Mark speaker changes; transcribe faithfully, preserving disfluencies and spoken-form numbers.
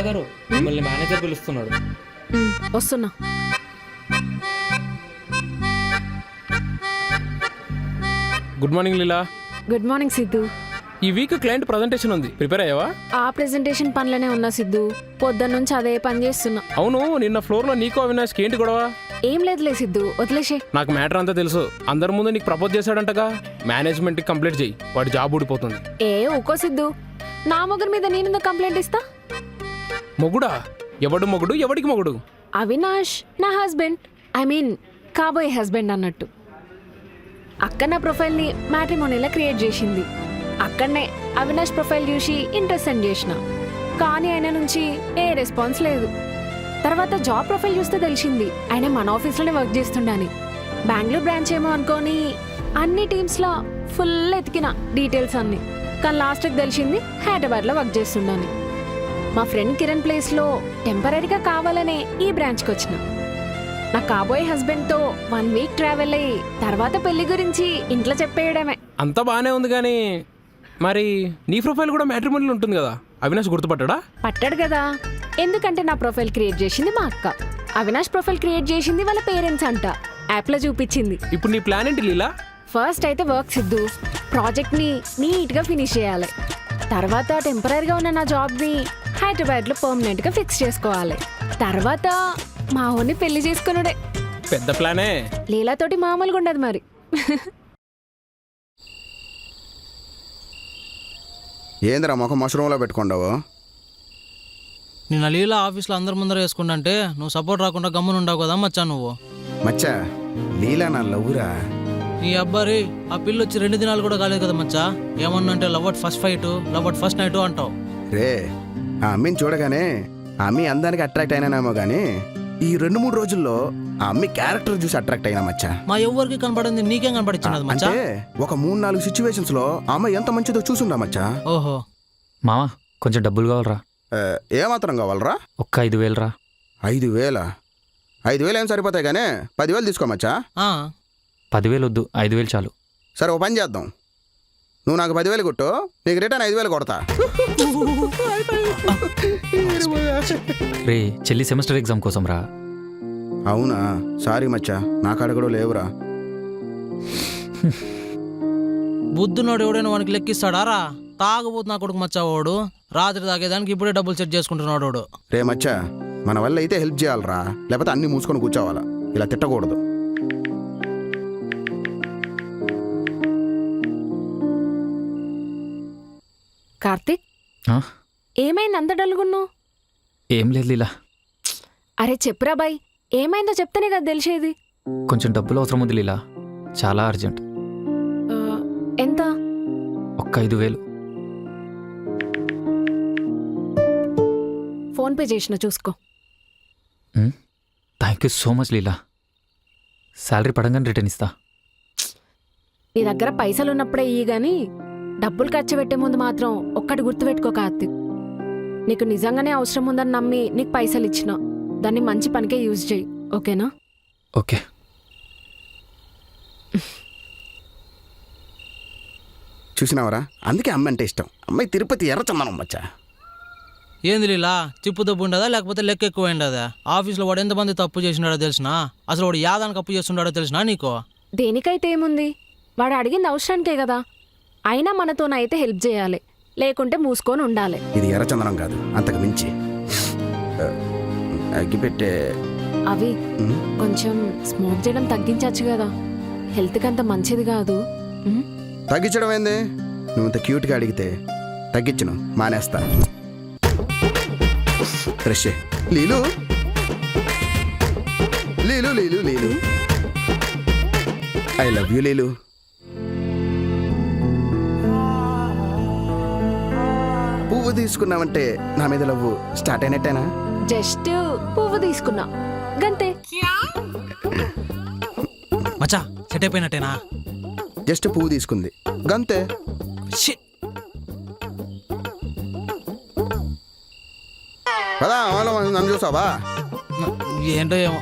Speaker 1: గారు మిమ్మల్ని మేనేజర్ పిలుస్తున్నాడు.
Speaker 2: ఉమ్, వస్తున్నా.
Speaker 3: Good morning Leela.
Speaker 2: Good morning Siddhu.
Speaker 3: ఈ వీక్ క్లయింట్ ప్రజెంటేషన్ ఉంది, ప్రిపేర్ అయ్యావా?
Speaker 2: ఆ ప్రెజెంటేషన్ పనిలోనే ఉన్నా సిద్ధు. పొద్దున్న నుంచి అదే పని చేస్తున్నా.
Speaker 3: అవును, నిన్న ఫ్లోర్ లో నీకు అవినాష్కి ఏంటి గొడవ?
Speaker 2: ఏం లేదులే సిద్ధు, వదిలేసే.
Speaker 3: నాకు మ్యాటర్ అంతా తెలుసు. అందరి ముందు నీకు ప్రపోజ్ చేశాడంటగా. మేనేజ్మెంట్ కి కంప్లీట్ చేయి, వాడి జాబ్ ఊడిపోతుంది.
Speaker 2: ఏ ఊకో సిద్ధు, నా మొగుడు మీద నేను కంప్లైంట్ ఇస్తా?
Speaker 3: మొగుడా? ఎవడు మొగుడు? ఎవడికి మొగుడు?
Speaker 2: అవినాష్ నా హస్బెండ్, ఐ మీన్ కాబోయే హస్బెండ్ అన్నట్టు. అక్క నా ప్రొఫైల్ని మ్యాట్రిమోనీలా క్రియేట్ చేసింది. అక్కడనే అవినాష్ ప్రొఫైల్ చూసి ఇంట్రెస్ట్ సెండ్ చేసిన, కానీ ఆయన నుంచి ఏ రెస్పాన్స్ లేదు. తర్వాత జాబ్ ప్రొఫైల్ చూస్తే తెలిసింది ఆయన మన ఆఫీస్లోనే వర్క్ చేస్తుండని. బెంగళూరు బ్రాంచ్ ఏమో అనుకోని అన్ని టీమ్స్లో ఫుల్ ఎతికిన డీటెయిల్స్ అన్ని, కానీ లాస్ట్కి తెలిసింది హైదరాబాద్లో వర్క్ చేస్తుండని. మా ఫ్రెండ్ కిరణ్ ప్లేస్లో టెంపరీగా కావాలనే ఈ బ్రాంచ్కి వచ్చిన. నా కాబోయే హస్బెండ్తో వన్ వీక్ ట్రావెల్ అయ్యి తర్వాత పెళ్లి గురించి ఇంట్లో చెప్పేయడమే.
Speaker 3: అంతా బాగానే ఉంది, కానీ మరి నీ ప్రొఫైల్ కూడా మ్యాట్రిమోనీలో ఉంటుంది కదా, అవినాష్ గుర్తుపట్టాడా?
Speaker 2: పట్టాడు కదా, ఎందుకంటే నా ప్రొఫైల్ క్రియేట్ చేసింది మా అక్క, అవినాష్ ప్రొఫైల్ క్రియేట్ చేసింది వాళ్ళ పేరెంట్స్ అంట. యాప్లో చూపించింది.
Speaker 3: ఇప్పుడు నీ ప్లాన్ ఏంటి లీలా?
Speaker 2: ఫస్ట్ అయితే వర్క్ సిద్ధు, ప్రాజెక్ట్ని నీట్గా ఫినిష్ చేయాలి. తర్వాత టెంపరీగా ఉన్న నా జాబ్ని హైదరాబాద్లో పర్మనెంట్గా ఫిక్స్ చేసుకోవాలి. తర్వాత మా ఊరిని పెళ్లి చేసుకున్నాడే.
Speaker 3: పెద్ద ప్లానే.
Speaker 2: లీలాతోటి మామూలుగా ఉండదు మరి.
Speaker 4: ఏందిరా ముఖం మష్రూమ్లో పెట్టుకుంటావు?
Speaker 5: నిన్న లీలా ఆఫీస్లో అందరి ముందర వేసుకుంటే నువ్వు సపోర్ట్ రాకుండా గమ్మున ఉండవు కదా మచ్చా నువ్వు.
Speaker 4: మచ్చా, లీలా నా లవ్వురా.
Speaker 5: నీ అబ్బారి ఆ పిల్ల వచ్చి రెండు దినాలు కూడా కాలేదు కదా మచ్చా. ఏమన్నా అంటే love at first fight, love at first night అంటావు.
Speaker 4: రే, ఆ అమ్మిని చూడగానే ఆ అమ్మి అందానికి అట్రాక్ట్ అయినానేమో కానీ ఈ రెండు మూడు రోజుల్లో ఆ అమ్మి క్యారెక్టర్ చూసి అట్రాక్ట్ అయినా మచ్చా.
Speaker 5: మా ఎవరికి కనపడింది నీకేం కనపడిచ్చినది మచ్చా?
Speaker 4: అంటే ఒక మూడు నాలుగు సిచ్యువేషన్స్ లో ఆ అమ్మాయి ఎంత మంచిదో చూసుందా మచ్చా.
Speaker 5: ఓహో
Speaker 1: మావా, కొంచెం డబ్బులు కావాలరా.
Speaker 4: ఏమాత్రం కావాలరా?
Speaker 1: ఒక్క ఐదు వేలు రా.
Speaker 4: ఐదు వేల ఐదు వేలు ఏం సరిపోతాయి కానీ పదివేలు తీసుకోమచ్చా.
Speaker 5: ఆ,
Speaker 1: పదివేలు వద్దు, ఐదు వేలు చాలు.
Speaker 4: సరే, ఓ పని చేద్దాం. నువ్వు నాకు పదివేలు కొట్టు, నీకు రిటర్న్ ఐదు వేలు కొడతా.
Speaker 1: రే, చెల్లి సెమిస్టర్ ఎగ్జామ్ కోసం రా.
Speaker 4: అవునా? సారీ మచ్చా, నా కాడ కూడా లేవురా.
Speaker 5: బుద్ధునోడు ఎవడైనా వానికి లెక్కిస్తాడా రా? తాగబోతు నా కొడుకు మచ్చా వాడు. రాత్రి తాగేదానికి ఇప్పుడే డబ్బులు సెట్ చేసుకుంటున్నాడు వాడు.
Speaker 4: రే మచ్చా, మన వల్ల అయితే హెల్ప్ చేయాలరా, లేకపోతే అన్ని మూసుకొని కూర్చోవాలా. ఇలా తిట్టకూడదు.
Speaker 2: కార్తిక్,
Speaker 1: ఆ?
Speaker 2: ఏమైంది అంత డల్గున్నావు?
Speaker 1: ఏం లేదు లీలా,
Speaker 2: అరే చెప్పురా బాయ్, ఏమైందో చెప్తేనే కదా తెలిసేది.
Speaker 1: కొంచెం డబ్బులు అవసరం ఉంది లీలా, చాలా అర్జెంట్.
Speaker 2: ఆ, ఎంత?
Speaker 1: ఒక్క ఐదు వేలు.
Speaker 2: ఫోన్పే చేసిన చూసుకో.
Speaker 1: Thank you so much Leela. Salary పడంగానే రిటర్న్ ఇస్తా.
Speaker 2: నీ దగ్గర పైసలు ఉన్నప్పుడే ఇయ్యి గాని డబ్బులు ఖర్చు పెట్టే ముందు మాత్రం ఒక్కటి గుర్తుపెట్టుకో కార్తిక్. నీకు నిజంగానే అవసరం ఉందని నమ్మి నీకు పైసలు ఇచ్చిన, దాన్ని మంచి పనికే యూజ్ చేయి, ఓకేనా?
Speaker 1: ఓకే.
Speaker 4: చూసినావరా, అందుకే అమ్మ అంటే ఇష్టం. అమ్మాయి తిరుపతి ఎర్రచందనం మచ్చా.
Speaker 5: ఏంది లీలా, చిప్పు దబ్బు ఉండదా లేకపోతే లెక్క ఎక్కువ ఉండదా? ఆఫీస్లో వాడు ఎంతమంది తప్పు చేసినాడో తెలిసినా? అసలు వాడు యాదానికి అప్పు చేస్తున్నాడో తెలిసినా నీకు?
Speaker 2: దేనికైతే ఏముంది, వాడు అడిగింది అవసరానికే కదా. అయినా మనతోనైతే హెల్ప్ చేయాలి, లేకుంటే మూసుకొని ఉండాలి.
Speaker 4: ఇది ఎర్రచందనం కాదు, అంతకు మించి. అగ్గిపెట్టే
Speaker 2: అవి కొంచెం స్మోక్ చేయడం తగ్గించచ్చు కదా, హెల్త్కి అంత మంచిది కాదు. ఉమ్?
Speaker 4: తగ్గించడం ఏంది? నువ్వు ఇంత క్యూట్గా అడిగితే తగ్గించను, మానేస్తా. Fresh Leelu Leelu Leelu Leelu I love you Leelu. పువ్వు తీసుకున్నావంటే నా మీద లవ్ స్టార్ట్ అయినట్టేనా?
Speaker 2: జస్ట్ పువ్వు తీసుకున్నా గంతే.
Speaker 5: మచ్చా సెట్ అయిపోయినట్టేనా?
Speaker 4: జస్ట్ పువ్వు తీసుకుంది గంతే.
Speaker 5: షిట్.
Speaker 4: పదా నన్ను చూసావా?
Speaker 5: ఏంటో ఏమో.